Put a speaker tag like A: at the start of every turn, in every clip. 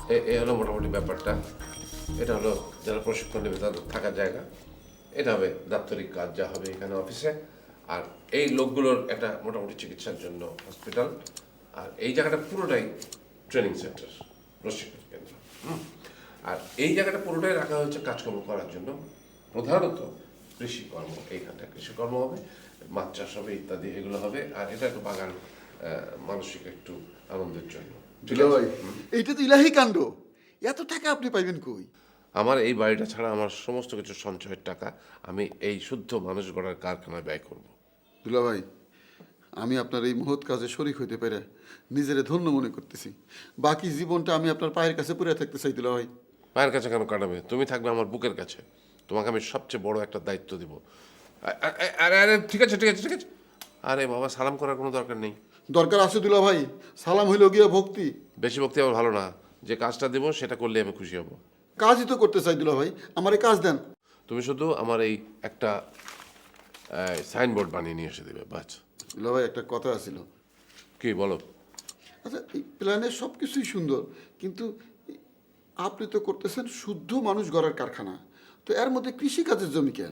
A: এই হলো মোটামুটি ব্যাপারটা। এটা হলো যারা প্রশিক্ষণ নেবে তাদের থাকার জায়গা। এটা হবে দাপ্তরিক কাজ যা হবে এখানে অফিসে। আর এই লোকগুলোর একটা মোটামুটি চিকিৎসার জন্য হসপিটাল। আর এই জায়গাটা পুরোটাই ট্রেনিং সেন্টার, প্রশিক্ষণ কেন্দ্র। আর এই জায়গাটা পুরোটাই রাখা হয়েছে কাজকর্ম করার জন্য, প্রধানত কৃষিকর্ম। এইখানটা কৃষিকর্ম হবে, মাছ চাষ হবে ইত্যাদি এগুলো হবে। আর এটা একটু বাগান, মানসিক একটু আনন্দের জন্য।
B: দুলা ভাই, এইটা তো ইলাহি কাণ্ড। এত টাকা আপনি পাইবেন কই?
A: আমার এই বাড়িটা ছাড়া আমার সমস্ত কিছু সঞ্চয়ের টাকা আমি এই শুদ্ধ মানুষ গড়ার কারখানায় ব্যয় করব।
B: দুলা ভাই, আমি আপনার এই মহৎ কাজে শরিক হইতে পেরে নিজেরে ধন্য মনে করতেছি। বাকি জীবনটা আমি আপনার পায়ের কাছে পড়ে থাকতে চাই দুলা ভাই।
A: পায়ের কাছে কেন কাটাবে? তুমি থাকবে আমার বুকের কাছে। তোমাকে আমি সবচেয়ে বড় একটা দায়িত্ব দিব। আরে আরে ঠিক আছে ঠিক আছে ঠিক আছে। আরে বাবা, সালাম করার কোনো দরকার নেই।
B: দরকার আছে দুলা ভাই, সালাম হইল গিয়া ভক্তি।
A: বেশি ভক্তি আমার ভালো না। যে কাজটা দেবো সেটা করলে আমি খুশি হব।
B: কাজই তো করতে চাই দুলা ভাই, আমার কাজ দেন।
A: তুমি শুধু আমার এই একটা সাইনবোর্ড বানিয়ে নিয়ে এসে দেবে, বাস।
B: দুলা ভাই, একটা কথা আছিল।
A: কি বলো?
B: আচ্ছা, এই প্ল্যানের সব কিছুই সুন্দর, কিন্তু আপনি তো করতেছেন শুদ্ধ মানুষ গড়ার কারখানা, তো এর মধ্যে কৃষিকাজের জমি কেন?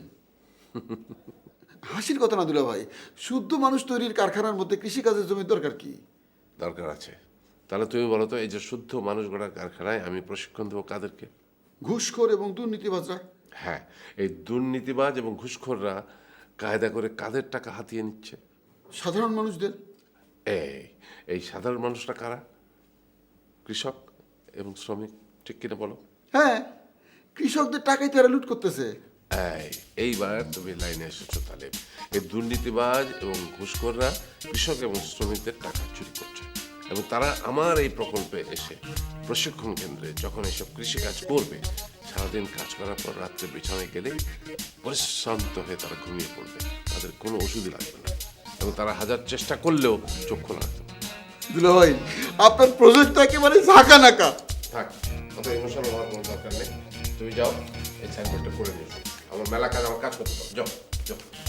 B: হাসির কথা না দুলা ভাই, শুদ্ধ মানুষ তৈরির কারখানার মধ্যে কৃষিকাজের জমির দরকার কি?
A: দরকার আছে। তাহলে তুমি বলো তো, এই যে শুদ্ধ মানুষ গড়ার কারখানায় আমি প্রশিক্ষণ দেবো কাদেরকে?
B: ঘুষখোর এবং দুর্নীতিবাজরা।
A: হ্যাঁ, এই দুর্নীতিবাজ এবং ঘুষখোররা কায়দা করে কাদের টাকা হাতিয়ে নিচ্ছে?
B: সাধারণ মানুষদের।
A: এই এই সাধারণ মানুষরা কারা? কৃষক এবং শ্রমিক, ঠিক কিনা বলো?
B: হ্যাঁ, কৃষকদের টাকাই তারা লুট করতেছে।
A: এইবার তুমি লাইনে এসেছো তাহলে। এই দুর্নীতিবাজ এবং ঘুষখোররা কৃষক এবং শ্রমিকদের টাকা চুরি করছে, এবং তারা আমার এই প্রকল্পে এসে প্রশিক্ষণ কেন্দ্রে যখন এসব কৃষিকাজ করবে, সারাদিন কাজ করার পর রাত্রে বিছানায় গেলে পরিশ্রান্ত হয়ে তারা ঘুমিয়ে পড়বে। তাদের কোনো ওষুধই লাগবে না, এবং তারা হাজার চেষ্টা করলেও চক্ষু লাগবে না।
B: দুলা ভাই, আপনার প্রজেক্টটা একেবারে ঝাঁকা নাকা।
A: থাক, অত ইমোশনাল হওয়ার কোনো দরকার নেই। তুমি যাও, এই সাইনবোর্ডটা করে নিয়েছো। আমার মেলা কাজ, আমার কাজ করতে দাও। যাও যাও।